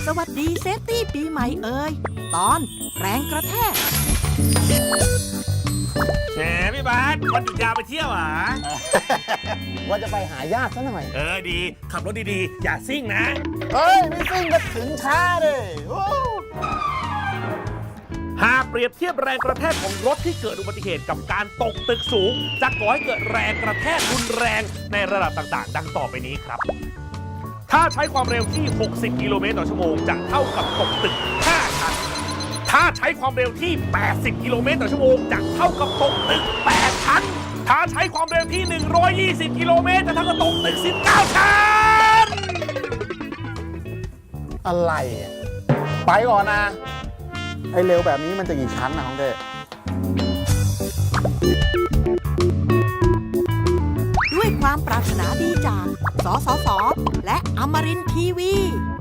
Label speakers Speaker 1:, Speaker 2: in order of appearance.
Speaker 1: สวัสดีเซฟตี้ปีใหม่เอ่ยตอนแรงกระแทก
Speaker 2: แหมพี่บาสวันหยุดยาวไปเที่ยวเหรอ
Speaker 3: ว่าจะไปหายากซะหน่อย
Speaker 2: ดีขับรถดีๆอย่าซิ่งนะ
Speaker 3: เฮ้ย ไม่ซิ่งก็ถึงช้าเลยโอ้
Speaker 2: หากเปรียบเทียบแรงกระแทกของรถที่เกิดอุบัติเหตุกับการตกตึกสูงจะก่อให้เกิดแรงกระแทกรุนแรงในระดับต่างๆ ดังต่อไปนี้ครับ ถ้าใช้ความเร็วที่ 60 กิโลเมตรต่อชั่วโมงจะเท่ากับตกตึก 5 ชั้น ถ้าใช้ความเร็วที่ 80 กิโลเมตรต่อชั่วโมงจะเท่ากับตกตึก 8 ชั้น ถ้าใช้ความเร็วที่ 120 กิโลเมตรจะเท่ากับตกตึก 19 ชั้น
Speaker 3: อะไรอะไปก่อนนะ ไอ้เร็วแบบนี้มันจะกี่ชั้นนะของเด็ก
Speaker 1: ด้วยความปรารถนาดีจากสสสและอมรินทร์ทีวี